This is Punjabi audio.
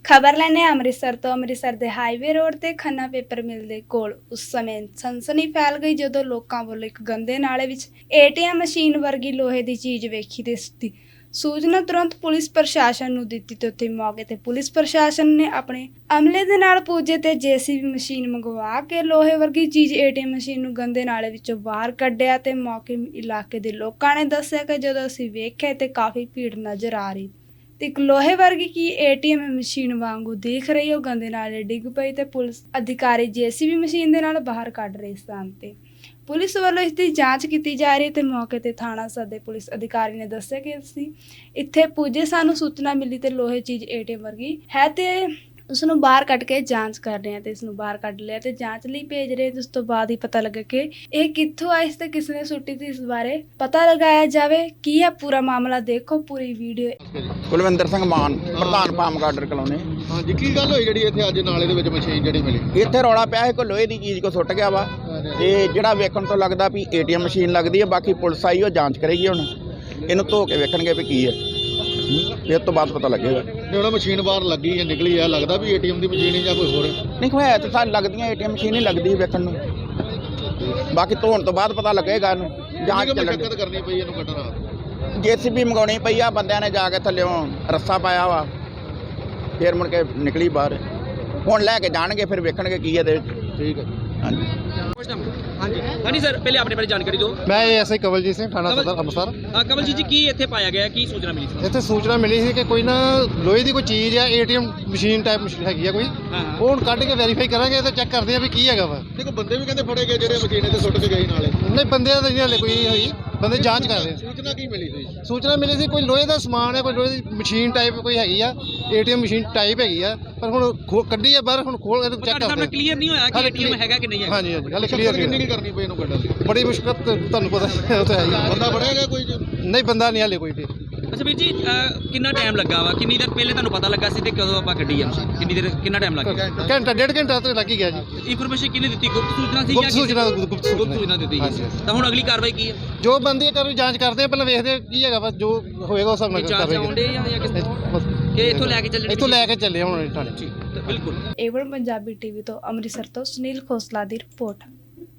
खबर लैने अमृतसर तो अमृतसर के हाईवे रोड ते खन्ना पेपर मिल दे कोल उस समय सनसनी फैल गई जदों लोकां वल्लों एक गंदे नाले विच ATM मशीन वर्गी लोहे दी चीज़ वेखी ते इसदी सूचना तुरंत पुलिस प्रशासन नूं दित्ती ते उत्थे मौके ते पुलिस प्रशासन ने अपने अमले दे नाल पुजे ते JCB मशीन मंगवा के लोहे वर्गी चीज़ ATM मशीन नूं गंदे नाले विचों बाहर कढिया ते मौके इलाके दे लोकां ने दस्सिया कि जदों असीं वेखिआ ते काफ़ी भीड़ नज़र आ रही ते एक लोहे वर्गी की ATM मशीन वांगू दिख रही हो गंदे नाले डिग पई ते पुलिस अधिकारी JCB मशीन दे नाल बाहर कढ रहे सन ते पुलिस वालों इसकी जांच की जा रही है ते मौके ते थाना सदे पुलिस अधिकारी ने दस्सिया कि असीं इत्थे पुजे सानू सूचना मिली ते लोहे चीज़ ATM वर्गी है ते उसनूं बाहर कढ के जांच कर रहे हैं ते इसनूं बाहर कढ लिया ते जांच लई भेज रहे हैं। उस तो बाद ही पता लगा कि ये कित्थों आई ते किसने सुट्टी थी, इस बारे पता लगाया जावे की है पूरा मामला। देखो पूरी वीडियो। ਕੁਲਵਿੰਦਰ ਸਿੰਘ ਮਾਨ ਪ੍ਰਧਾਨ ਪਾਮ ਗਾਰਡਰ ਕਲੋਨੀ। ਹਾਂਜੀ ਕੀ ਗੱਲ ਹੋਈ ਜਿਹੜੀ ਇੱਥੇ ਅੱਜ ਨਾਲੇ ਦੇ ਵਿੱਚ ਮਸ਼ੀਨ ਜਿਹੜੀ ਮਿਲੀ? ਇੱਥੇ ਰੌਲਾ ਪਿਆ ਹੈ ਕੋਈ ਲੋਹੇ ਦੀ ਚੀਜ਼ ਕੋ ਸੁੱਟ ਗਿਆ ਵਾ ਤੇ ਜਿਹੜਾ ਵੇਖਣ ਤੋਂ ਲੱਗਦਾ ਵੀ ATM ਮਸ਼ੀਨ ਲੱਗਦੀ ਹੈ। ਬਾਕੀ ਪੁਲਿਸ ਆਈ ਉਹ ਜਾਂਚ ਕਰੇਗੀ, ਹੁਣ ਇਹਨੂੰ ਧੋ ਕੇ ਵੇਖਣਗੇ ਵੀ ਕੀ ਹੈ, ਫਿਰ ਤੋਂ ਬਾਅਦ ਪਤਾ ਲੱਗੇਗਾ। ਜੇ ਉਹਨਾਂ ਮਸ਼ੀਨ ਬਾਹਰ ਲੱਗੀ ਹੈ ਨਿਕਲੀ ਆ, ਲੱਗਦਾ ਵੀ ATM ਦੀ ਮਸ਼ੀਨ ਹੈ ਜਾਂ ਕੋਈ ਹੋਰ? ਨਹੀਂ ਹੋਇਆ ਤਾਂ ਸਾਨੂੰ ਲੱਗਦੀਆਂ ATM ਮਸ਼ੀਨ ਹੀ ਲੱਗਦੀ ਵੇਖਣ ਨੂੰ, ਬਾਕੀ ਧੋਣ ਤੋਂ ਬਾਅਦ ਪਤਾ ਲੱਗੇਗਾ। ਇਹਨੂੰ ਜਾਂਚ ਚੱਲਣ ਦਿੱਕਤ ਕਰਨੀ ਪਈ ਇਹਨੂੰ ਕੱਢਣਾ। JCB ਮੰਗਾਉਣੀ ਪਈ ਆ, ਬੰਦਿਆਂ ਨੇ ਜਾ ਕੇ ਥੱਲਿਓਂ ਰੱਸਾ ਪਾਇਆ ਵਾ, ਫਿਰ ਮੁੜ ਕੇ ਨਿਕਲੀ ਬਾਹਰ। ਹੁਣ ਲੈ ਕੇ ਜਾਣਗੇ ਫਿਰ ਵੇਖਣਗੇ ਕੀ ਇਹਦੇ ਵਿੱਚ। ਠੀਕ ਹੈ। ਹਾਂਜੀ हाँ जी सर, पहले अपने बारे जानकारी दो। मैं ऐसे कवलजीत सिंह थाना सदर ਅੰਮ੍ਰਿਤਸਰ। कमलजीत जी की इत्थे पाया गया, की सूचना मिली थी? ਇੱਥੇ ਸੂਚਨਾ ਮਿਲੀ ਸੀ ਕਿ ਕੋਈ ਨਾ ਲੋਹੇ ਦੀ ਕੋਈ ਚੀਜ਼ ਆ, ATM ਮਸ਼ੀਨ ਟਾਈਪ ਮਸ਼ੀਨ ਹੈਗੀ ਆ ਕੋਈ। ਉਹ ਹੁਣ ਕੱਢ ਕੇ ਵੈਰੀਫਾਈ ਕਰਾਂਗੇ ਤੇ ਚੈੱਕ ਕਰਦੇ ਆ ਵੀ ਕੀ ਹੈਗਾ ਵਾ। ਦੇਖੋ ਬੰਦੇ ਵੀ ਕਹਿੰਦੇ ਫੜੇ ਗਏ ਜਿਹੜੇ ਮਸ਼ੀਨ ਤੇ ਸੁੱਟ ਕੇ ਗਏ ਨਾਲੇ। ਨਹੀਂ ਬੰਦਿਆਂ ਦੀ ਹਲੇ ਕੋਈ ਨਹੀਂ ਹੋਈ, ਬੰਦੇ ਜਾਂਚ ਕਰ ਰਹੇ। ਸੂਚਨਾ ਕੀ ਮਿਲੀ ਸੀ? ਸੂਚਨਾ ਮਿਲੀ ਸੀ ਕੋਈ ਲੋਹੇ ਦਾ ਸਮਾਨ ਹੈ, ਕੋਈ ਲੋਹੇ ਦੀ ਮਸ਼ੀਨ ਟਾਈਪ ਕੋਈ ਹੈਗੀ ਆ, ATM ਮਸ਼ੀਨ ਟਾਈਪ ਹੈਗੀ ਆ, ਪਰ ਹੁਣ ਕੱਢੀ ਆ ਬਾਹਰ, ਹੁਣ ਖੋਲ ਕੇ ਚੈੱਕ ਕਰਦੇ। ਕਲੀਅਰ ਨਹੀਂ ਹੋਇਆ ਕਿ ATM ਹੈਗਾ ਕਿ ਨਹੀਂ ਹੈਗਾ। ਹਾਂਜੀ ਹਾਂਜੀ ਹਲੇ ਕਲੀਅਰ ਨਹੀਂ ਕਰਨੀ ਪਈ ਇਹਨੂੰ ਕੱਢਣ। ਬੜੀ ਮੁਸ਼ਕਲ ਤੁਹਾਨੂੰ ਪਤਾ ਉਹ ਤਾਂ ਹੈ ਹੀ। ਬੰਦਾ ਫੜਿਆ ਗਿਆ ਕੋਈ? ਨਹੀਂ ਬੰਦਾ ਨਹੀਂ ਹਲੇ ਕੋਈ। ਅੱਛਾ ਵੀਰ ਜੀ, ਕਿੰਨਾ ਟਾਈਮ ਲੱਗਾ ਵਾ? ਕਿੰਨੀ ਦੇਰ ਪਹਿਲੇ ਤੁਹਾਨੂੰ ਪਤਾ ਲੱਗਾ ਸੀ ਤੇ ਕਦੋਂ ਆਪਾਂ ਕੱਢੀ ਆ? ਕਿੰਨੀ ਦੇਰ, ਕਿੰਨਾ ਟਾਈਮ ਲੱਗ ਗਿਆ? ਘੰਟਾ ਡੇਢ ਘੰਟਾ ਤਾਂ ਲੱਗ ਹੀ ਗਿਆ ਜੀ। ਇਨਫੋਰਮੇਸ਼ਨ ਕਿਹਨੇ ਦਿੱਤੀ? ਗੁਪਤ ਸੂਚਨਾ ਸੀ? ਗੁਪਤ ਸੂਚਨਾ ਦਿੱਤੀ ਗਈ। ਤਾਂ ਹੁਣ ਅਗਲੀ ਕਾਰਵਾਈ ਕੀ ਹੈ? ਜੋ ਬੰਦੀ ਕਰ ਜਾਂਚ ਕਰਦੇ ਆ, ਪਹਿਲਾਂ ਵੇਖਦੇ ਕੀ ਹੈਗਾ, ਬਸ ਜੋ ਹੋਏਗਾ ਉਸ ਹਿਸਾਬ ਨਾਲ ਚਾਰਜ ਆਉਂਦੇ ਜਾਂ ਕਿ ਇੱਥੋਂ ਲੈ ਕੇ ਚੱਲਣੇ? ਇੱਥੋਂ ਲੈ ਕੇ ਚੱਲੇ ਹੁਣ ਥਾਣੇ। ਬਿਲਕੁਲ। ਏਵਨ ਪੰਜਾਬੀ TV ਤੋਂ ਅੰਮ੍ਰਿਤਸਰ ਤੋਂ ਸੁਨੀਲ ਖੋਸਲਾ ਦੀ ਰਿਪੋਰਟ।